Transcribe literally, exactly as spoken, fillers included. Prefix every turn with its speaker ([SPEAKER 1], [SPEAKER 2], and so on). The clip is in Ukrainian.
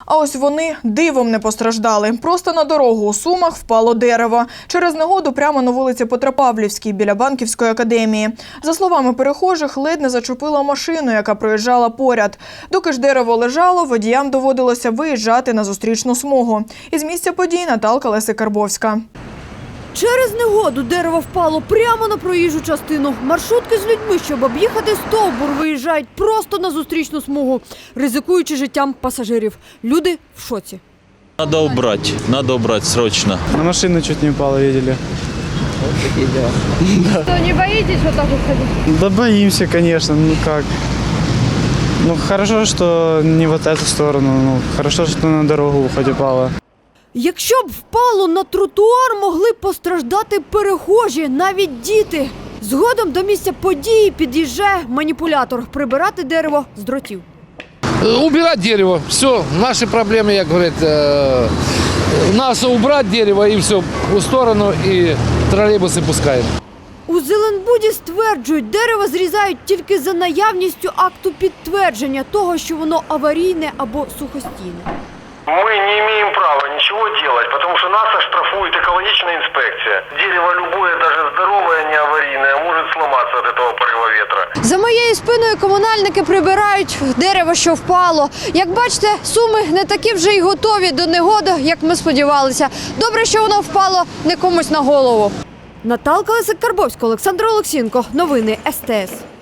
[SPEAKER 1] А ось вони дивом не постраждали. Просто на дорогу у Сумах впало дерево. Через негоду прямо на вулиці Петропавлівській, біля Банківської академії. За словами перехожих, ледь не зачепило машину, яка проїжджала поряд. Доки ж дерево лежало, водіям доводилося виїжджати на зустрічну смугу. Із місця подій Наталка Леси-Карбовська.
[SPEAKER 2] Через негоду дерево впало прямо на проїжджу частину. Маршрутки з людьми, щоб об'їхати стовбур, виїжджають просто на зустрічну смугу, ризикуючи життям пасажирів. Люди в шоці.
[SPEAKER 3] Надо убрать, надо убрать срочно.
[SPEAKER 4] На машину чуть не упало, видели.
[SPEAKER 2] Вот такі дела. Что, не боитесь вот так вот ходить?
[SPEAKER 4] Да боимся, конечно, ну как. Ну хорошо, что не вот эту сторону, ну хорошо, что на дорогу хоть упало.
[SPEAKER 2] Якщо б впало на тротуар, могли б постраждати перехожі, навіть діти. Згодом до місця події під'їжджає маніпулятор – прибирати дерево з дротів.
[SPEAKER 5] Убирать дерево, все, наши проблемы, як говорять, э, нас убрать дерево и все, в сторону, и троллейбусы пускаем.
[SPEAKER 2] У Зеленбуді стверджують, дерево зрізають тільки за наявністю акту підтвердження того, що воно аварійне або сухостійне.
[SPEAKER 6] Мы не имеем права ничего делать, потому что нас оштрафует экологичная инспекция. Дерево любое, даже здоровое, не аварийное, может сломаться от этого порыва ветра.
[SPEAKER 2] За моєю спиною комунальники прибирають дерево, що впало. Як бачите, Суми не такі вже й готові до негоди, як ми сподівалися. Добре, що воно впало не комусь на голову. Наталка Леси-Карбовська, Олександр Олексієнко. Новини ес те ес.